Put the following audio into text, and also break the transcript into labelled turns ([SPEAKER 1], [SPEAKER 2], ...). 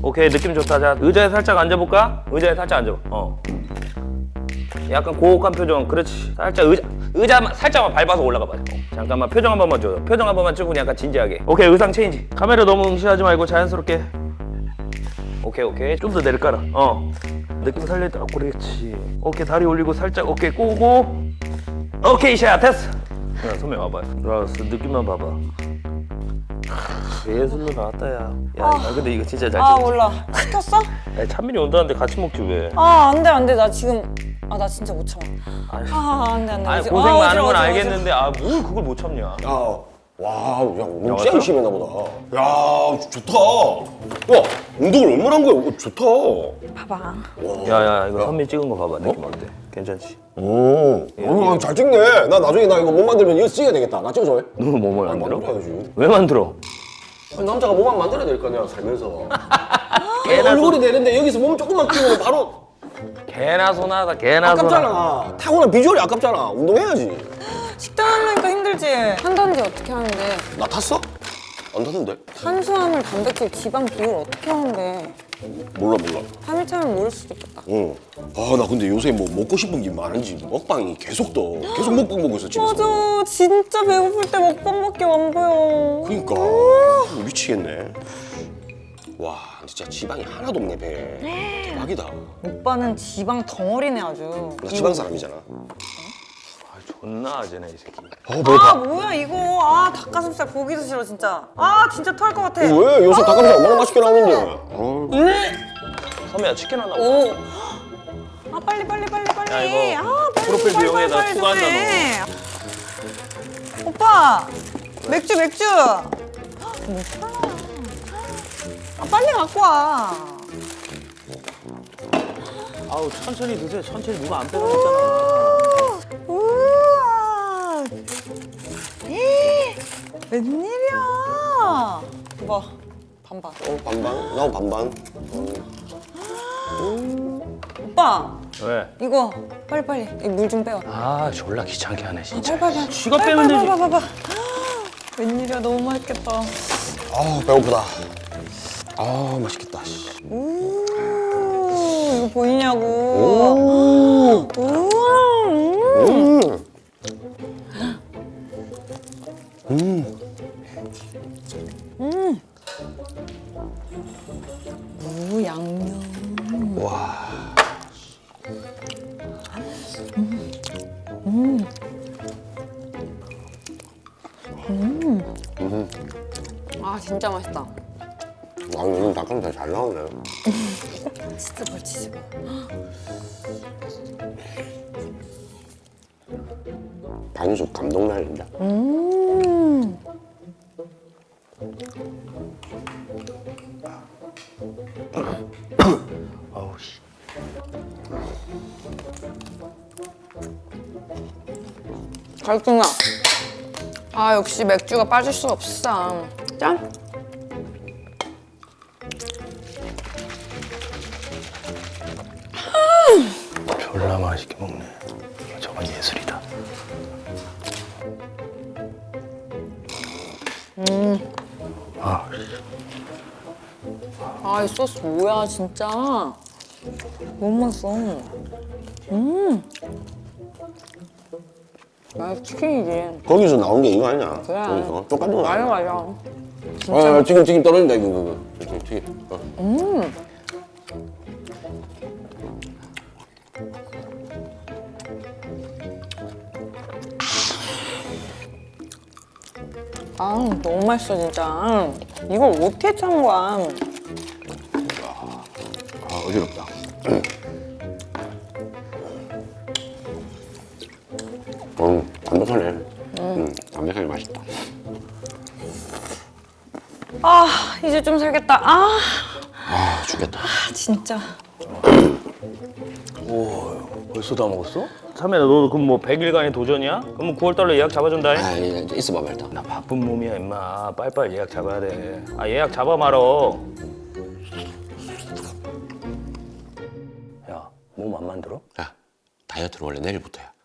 [SPEAKER 1] 오케이, 느낌 좋다. 자, 의자에 살짝 앉아볼까? 의자에 살짝 앉아봐. 약간 고혹한 표정. 그렇지. 살짝 의자만 살짝만 밟아서 올라가 봐. 잠깐만, 표정 한 번만 줘. 표정 한 번만 찍고 약간 진지하게. 오케이, 의상 체인지. 카메라 너무 응시하지 말고 자연스럽게. 오케이. 좀 더 내려가라. 느낌 살려있다. 그렇지. 오케이, 다리 올리고 살짝 어깨 꼬고. 오케이, 샷 됐어. 야, 선배 와봐. 들어왔어. 느낌만 봐봐. 예술로 나왔다, 야. 근데 이거 진짜 잘 찍었지.
[SPEAKER 2] 몰라. 시켰어?
[SPEAKER 1] 야, 찬민이 온다는데 같이 먹지 왜?
[SPEAKER 2] 안 돼. 나 지금 나 진짜 못 참아. 안 돼.
[SPEAKER 1] 아니, 고생 많은 건 알겠는데 뭘 그걸 못 참냐?
[SPEAKER 3] 와, 운동 진짜 열심히 했나 보다. 야, 좋다. 야, 운동을 얼마나 한 거야? 좋다.
[SPEAKER 2] 봐봐.
[SPEAKER 1] 야, 이거 선미 찍은 거 봐봐. 느낌 어때? 괜찮지?
[SPEAKER 3] 잘 찍네. 나 나중에 이거 몸 만들면 이거 찍어야 되겠다. 나 찍어줘.
[SPEAKER 1] 너 몸을 만들어?
[SPEAKER 3] 만들어야지.
[SPEAKER 1] 왜 만들어?
[SPEAKER 3] 남자가 몸만 만들어야 될 거 아니야, 살면서.
[SPEAKER 1] 개나
[SPEAKER 3] 얼굴이 되는데 여기서 몸 조금만 키우면 바로
[SPEAKER 1] 개나 소나다, 개나 소나.
[SPEAKER 3] 아깝잖아. 타고난 비주얼이 아깝잖아. 운동해야지.
[SPEAKER 2] 식단 하려니까 힘들지. 한단지 어떻게 하는데?
[SPEAKER 3] 나 탔어? 안 탔는데?
[SPEAKER 2] 탄수화물, 단백질, 지방 비율 어떻게 하는데?
[SPEAKER 3] 몰라.
[SPEAKER 2] 3일 차면 모를 수도 있겠다.
[SPEAKER 3] 응. 나 근데 요새 뭐 먹고 싶은 게 많은지 먹방이 계속 떠. 계속 먹방 보고 있어, 집에서.
[SPEAKER 2] 맞아. 진짜 배고플 때 먹방밖에 안 보여.
[SPEAKER 3] 그러니까 미치겠네. 와, 진짜 지방이 하나도 없네, 배에. 대박이다.
[SPEAKER 2] 오빠는 지방 덩어리네 아주.
[SPEAKER 3] 나 지방 사람이잖아.
[SPEAKER 1] 존나 아재네, 이 새끼.
[SPEAKER 2] 뭐야 이거. 닭가슴살 보기도 싫어 진짜. 진짜 토할 것 같아.
[SPEAKER 3] 왜? 요새 닭가슴살 얼마나 맛있게 나오는데.
[SPEAKER 1] 선미야, 치킨 하나 먹어.
[SPEAKER 2] 오. 빨리.
[SPEAKER 1] 야, 이거 프로필 비용에다
[SPEAKER 2] 빨리
[SPEAKER 1] 추가한다,
[SPEAKER 2] 좀 해. 오빠 맥주. 못 사. 빨리 갖고 와.
[SPEAKER 1] 아우, 천천히 드세요. 천천히 누가 안 빼가겠잖아.
[SPEAKER 2] 우와. 웬일이야. 봐. 반반.
[SPEAKER 3] 반반? 나 반반.
[SPEAKER 2] 오빠
[SPEAKER 1] 왜?
[SPEAKER 2] 이거 빨리 물 좀 빼와.
[SPEAKER 1] 졸라 귀찮게 하네, 진짜.
[SPEAKER 2] 빨리.
[SPEAKER 1] 지가 빼면 되지.
[SPEAKER 2] 봐봐. 웬일이야. 너무 맛있겠다.
[SPEAKER 3] 배고프다. 맛있겠다.
[SPEAKER 2] 이거 보이냐고. 무 양념.
[SPEAKER 3] 와.
[SPEAKER 2] 진짜 맛있다.
[SPEAKER 3] 요즘 닭가슴살 잘 나오네.
[SPEAKER 2] 치즈 볼.
[SPEAKER 3] 반숙 감동 날린다.
[SPEAKER 1] 아우, 씨.
[SPEAKER 2] 갈증나. 역시 맥주가 빠질 수 없어. 짠.
[SPEAKER 1] 졸라 맛있게 먹네. 저건 예술이다.
[SPEAKER 2] 이 소스 뭐야 진짜. 너무 맛있어. 치킨이지.
[SPEAKER 3] 거기서 나온 게 이거 아니냐?
[SPEAKER 2] 그래.
[SPEAKER 3] 거기서 똑같은 거 아니야?
[SPEAKER 2] 맞아.
[SPEAKER 3] 튀김 떨어진다 이거. 튀김.
[SPEAKER 2] 너무 맛있어 진짜. 이걸 어떻게 짠 거야?
[SPEAKER 3] 어지럽다. 담백하네. 담백하게 맛있다.
[SPEAKER 2] 이제 좀 살겠다.
[SPEAKER 3] 죽겠다.
[SPEAKER 2] 진짜.
[SPEAKER 1] 벌써 다 먹었어? 삼혜야, 너 그럼 뭐 100일간의 도전이야? 그럼 9월달로 예약 잡아준다.
[SPEAKER 3] 이제 있어봐 일단.
[SPEAKER 1] 나 바쁜 몸이야, 임마. 빨리빨리 예약 잡아야 돼. 예약 잡아 말어. 야, 몸 안 만들어?
[SPEAKER 3] 야, 다이어트는 원래 내일부터야.